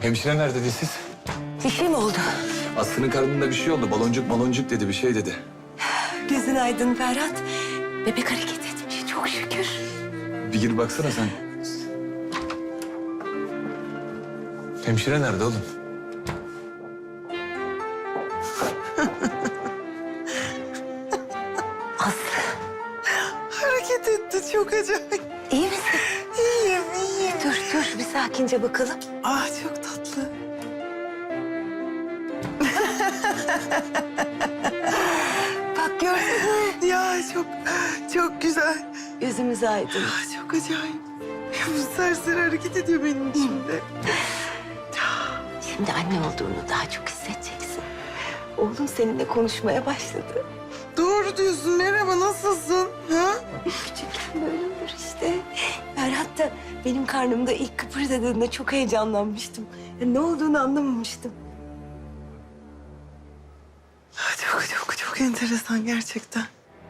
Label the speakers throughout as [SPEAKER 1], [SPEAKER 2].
[SPEAKER 1] Hemşire nerede siz?
[SPEAKER 2] Bir şey mi oldu?
[SPEAKER 1] Aslı'nın karnında bir şey oldu. Baloncuk dedi, bir şey dedi.
[SPEAKER 2] Gözün aydın Ferhat. Bebek hareket etmiş çok şükür.
[SPEAKER 1] Bir gir baksana sen. Hemşire nerede oğlum?
[SPEAKER 2] Aslı
[SPEAKER 3] Hareket etti çok acayip.
[SPEAKER 2] iyi misin?
[SPEAKER 3] İyiyim, iyiyim.
[SPEAKER 2] Dur bir sakince bakalım.
[SPEAKER 3] Ah çok tatlı.
[SPEAKER 2] Bak gördün mü?
[SPEAKER 3] Ya çok güzel.
[SPEAKER 2] Gözümüz aydın.
[SPEAKER 3] Ah çok acayip. Bu serseri hareket ediyor benim içimde.
[SPEAKER 2] Şimdi anne olduğunu daha çok hissedeceksin. Oğlum seninle konuşmaya başladı.
[SPEAKER 3] Doğru diyorsun. Merhaba, nasılsın? Ha?
[SPEAKER 2] Küçükken böyle olur işte. Ferhat da benim karnımda ilk kıpırdadığında çok heyecanlanmıştım. Ya ne olduğunu anlamamıştım.
[SPEAKER 3] Ah, çok enteresan gerçekten.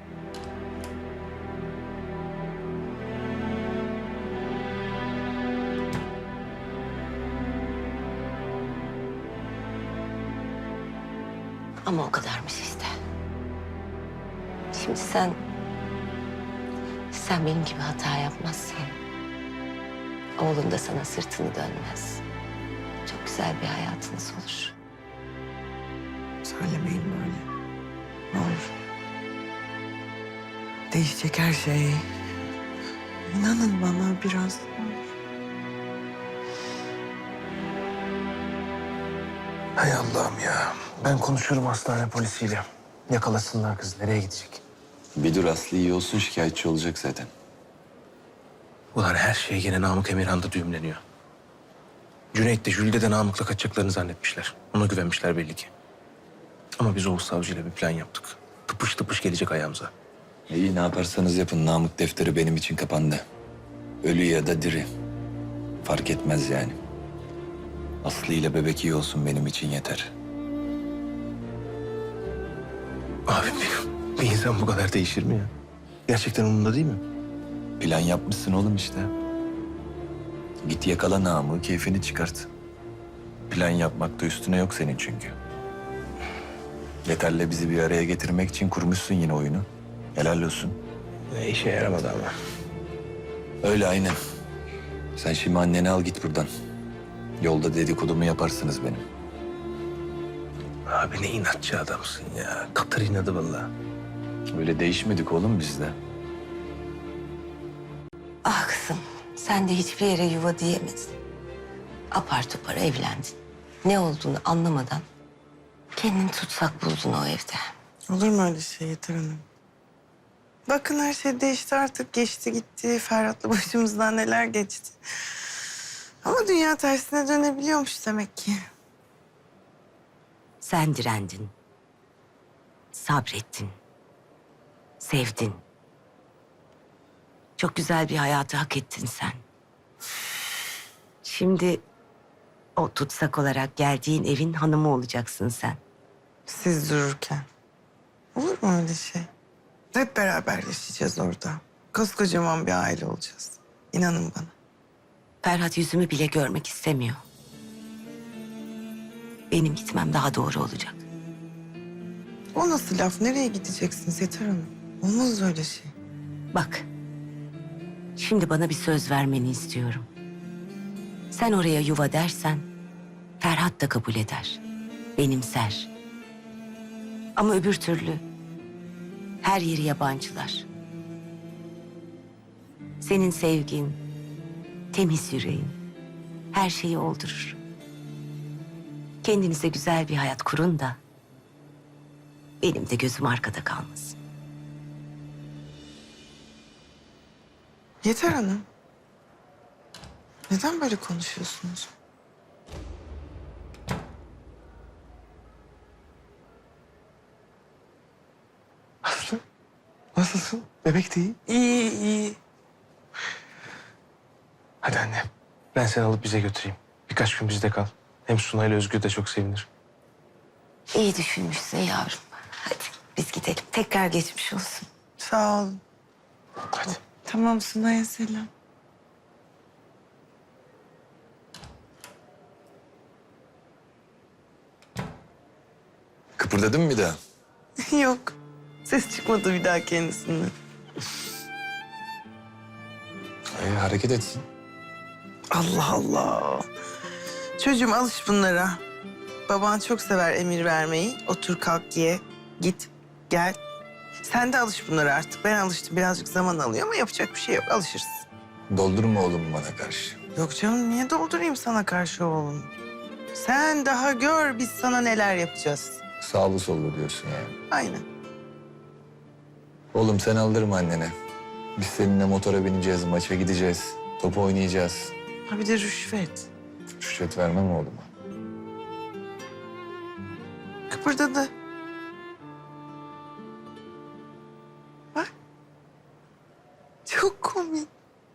[SPEAKER 2] Ama o kadarmış işte. Şimdi sen benim gibi hata yapmazsan oğlum da sana sırtını dönmez. Çok güzel bir hayatınız olur.
[SPEAKER 3] Söylemeyin böyle. Ne olur. Değişecek her şey. İnanın bana biraz.
[SPEAKER 4] Hay Allah'ım ya. Ben konuşurum hastane polisiyle. Yakalasınlar kız. Nereye gidecek?
[SPEAKER 1] Bir dur, Aslı iyi olsun, şikayetçi olacak zaten.
[SPEAKER 4] Ulan her şey gene Namık Emirhan'da düğümleniyor. Cüneyt de Jülide de Namık'la kaçacaklarını zannetmişler. Ona güvenmişler belli ki. Ama biz Oğuz Savcı'yla bir plan yaptık. Tıpış tıpış gelecek ayağımıza.
[SPEAKER 1] İyi, ne yaparsanız yapın. Namık defteri benim için kapandı. Ölü ya da diri. Fark etmez yani. Aslı ile bebek iyi olsun benim için yeter.
[SPEAKER 4] Abi bir insan bu kadar değişir mi ya? Gerçekten umurunda değil mi?
[SPEAKER 1] Plan yapmışsın oğlum işte. Git yakala Namık'ı, keyfini çıkart. Plan yapmakta üstüne yok senin çünkü. Yeterli bizi bir araya getirmek için kurmuşsun yine oyunu. Helal olsun.
[SPEAKER 4] İşe yaramadı ama.
[SPEAKER 1] Öyle aynen. Sen şimdi anneni al git buradan. Yolda dedikodumu yaparsınız benim.
[SPEAKER 4] Abi ne inatçı adamsın ya. Katır inadı vallahi.
[SPEAKER 1] Öyle değişmedik oğlum biz de.
[SPEAKER 2] Ah kızım, sen de hiçbir yere yuva diyemedin. Apar topar evlendin. Ne olduğunu anlamadan kendini tutsak buldun o evde.
[SPEAKER 3] Olur mu öyle şey Yeter Hanım? Bakın her şey değişti artık. Geçti gitti. Ferhat'la başımızdan neler geçti. Ama dünya tersine dönebiliyormuş demek ki.
[SPEAKER 2] Sen direndin. Sabrettin. Sevdin. Çok güzel bir hayatı hak ettin sen. Şimdi o tutsak olarak geldiğin evin hanımı olacaksın sen.
[SPEAKER 3] Siz dururken. Olur mu öyle şey? Hep beraber yaşayacağız orada. Koskocaman bir aile olacağız. İnanın bana.
[SPEAKER 2] Ferhat yüzümü bile görmek istemiyor. Benim gitmem daha doğru olacak.
[SPEAKER 3] O nasıl laf? Nereye gideceksiniz Yeter Hanım? Olmaz öyle şey.
[SPEAKER 2] Bak, şimdi bana bir söz vermeni istiyorum. Sen oraya yuva dersen, Ferhat da kabul eder, benimser. Ama öbür türlü her yeri yabancılar. Senin sevgin, temiz yüreğin her şeyi oldurur. Kendinize güzel bir hayat kurun da benim de gözüm arkada kalmasın.
[SPEAKER 3] Yeter Hanım. Neden böyle konuşuyorsunuz?
[SPEAKER 4] Aslı nasılsın? Bebek de iyi.
[SPEAKER 3] İyi, iyi.
[SPEAKER 4] Hadi anne. Ben seni alıp bize götüreyim. Birkaç gün bizde kal. Hem Suna ile Özgür de çok sevinir.
[SPEAKER 2] İyi düşünmüşsün yavrum. Hadi biz gidelim. Tekrar geçmiş olsun.
[SPEAKER 3] Sağ olun.
[SPEAKER 4] Hadi.
[SPEAKER 3] Tamam, Sunay'a selam.
[SPEAKER 1] Kıpırdadın mı bir daha?
[SPEAKER 3] Yok. Ses çıkmadı bir daha kendisinden.
[SPEAKER 1] Hareket etsin.
[SPEAKER 3] Allah Allah. Çocuğum alış bunlara. Baban çok sever emir vermeyi. Otur kalk ye. Git gel. Sen de alış bunlara artık. Ben alıştım. Birazcık zaman alıyor ama yapacak bir şey yok. Alışırsın.
[SPEAKER 1] Doldurma oğlum bana karşı.
[SPEAKER 3] Yok canım niye doldurayım sana karşı oğlum? Sen daha gör biz sana neler yapacağız.
[SPEAKER 1] Sağlı sollu diyorsun yani.
[SPEAKER 3] Aynen.
[SPEAKER 1] Oğlum sen aldırma annene. Biz seninle motora bineceğiz, maça gideceğiz. Top oynayacağız.
[SPEAKER 3] Ha bir de rüşvet.
[SPEAKER 1] Rüşvet vermem oğluma.
[SPEAKER 3] Kıpırdadı. Bak. Çok komik.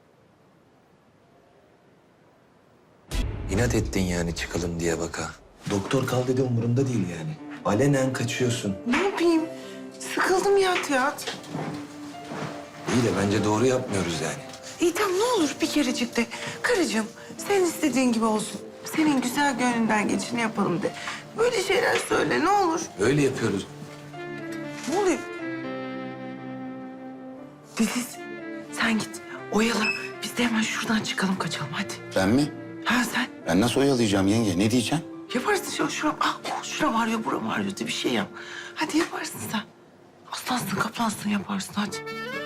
[SPEAKER 1] İnat ettin yani çıkalım diye baka. Doktor kal dedi umurunda değil yani. Alenen kaçıyorsun.
[SPEAKER 3] Ne yapayım? Sıkıldım ya tiyatro.
[SPEAKER 1] İyi de bence doğru yapmıyoruz yani.
[SPEAKER 3] İyi tamam ne olur bir kerecik de. Karıcığım sen istediğin gibi olsun. Senin güzel gönlünden geçini yapalım de. Böyle şeyler söyle ne olur.
[SPEAKER 1] Öyle yapıyoruz.
[SPEAKER 3] Ne oluyor? Deniz sen git oyala. Biz de hemen şuradan çıkalım kaçalım hadi.
[SPEAKER 5] Ben mi?
[SPEAKER 3] Ha sen
[SPEAKER 5] Ben nasıl oyalayacağım yenge? Ne diyeceğim?
[SPEAKER 3] yaparsın şuram. Şuram ağrıyor buram ağrıyor de bir şey yap. Hadi yaparsın sen. Aslansın kaplansın yaparsın hadi.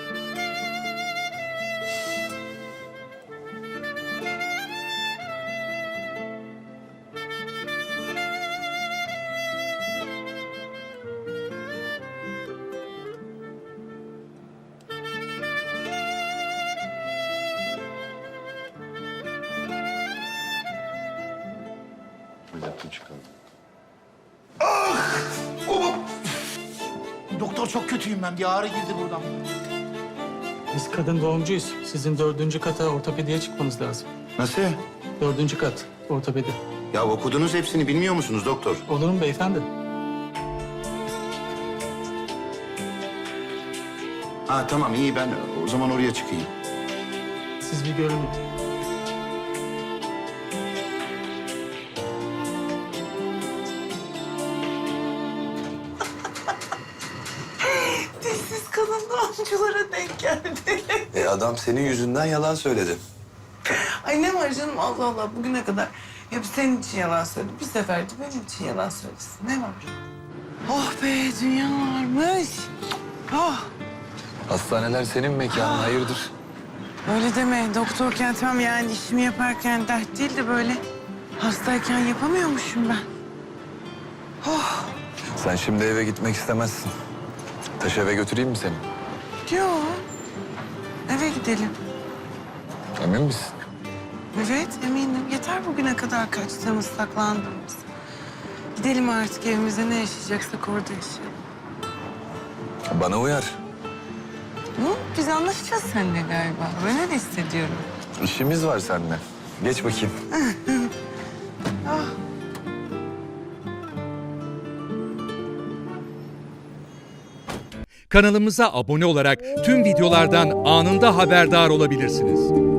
[SPEAKER 6] Doktor çok kötüyüm ben. Bir ağrı girdi buradan.
[SPEAKER 7] Biz kadın doğumcuyuz. Sizin 4. kata ortopediye çıkmanız lazım.
[SPEAKER 5] Nasıl?
[SPEAKER 7] 4. kat ortopedi.
[SPEAKER 5] Ya okudunuz hepsini bilmiyor musunuz doktor?
[SPEAKER 7] Olur mu beyefendi?
[SPEAKER 5] Ha tamam iyi ben o zaman oraya çıkayım.
[SPEAKER 7] Siz bir görün.
[SPEAKER 3] Dişsiz kadın doğumculara denk geldi.
[SPEAKER 1] Adam senin yüzünden yalan söyledi.
[SPEAKER 3] Ay ne var canım Allah Allah bugüne kadar hep senin için yalan söyledi. Bir sefer de benim için yalan söylesin. Ne var? Oh be dünya varmış. Oh
[SPEAKER 1] Hastaneler senin mekanın, hayırdır?
[SPEAKER 3] öyle deme doktorken tam yani işimi yaparken dert değil de böyle hastayken yapamıyormuşum ben. Oh
[SPEAKER 1] Sen şimdi eve gitmek istemezsin. Taş eve götüreyim mi seni?
[SPEAKER 3] yok eve gidelim.
[SPEAKER 1] Emin misin?
[SPEAKER 3] Evet eminim yeter bugüne kadar kaçtığımız saklandığımız. Gidelim artık evimize ne yaşayacaksak orada yaşayalım.
[SPEAKER 1] Bana uyar.
[SPEAKER 3] Hı? Biz anlaşacağız seninle galiba. Ben öyle hissediyorum.
[SPEAKER 1] İşimiz var seninle. Geç bakayım.
[SPEAKER 8] Kanalımıza abone olarak tüm videolardan anında haberdar olabilirsiniz.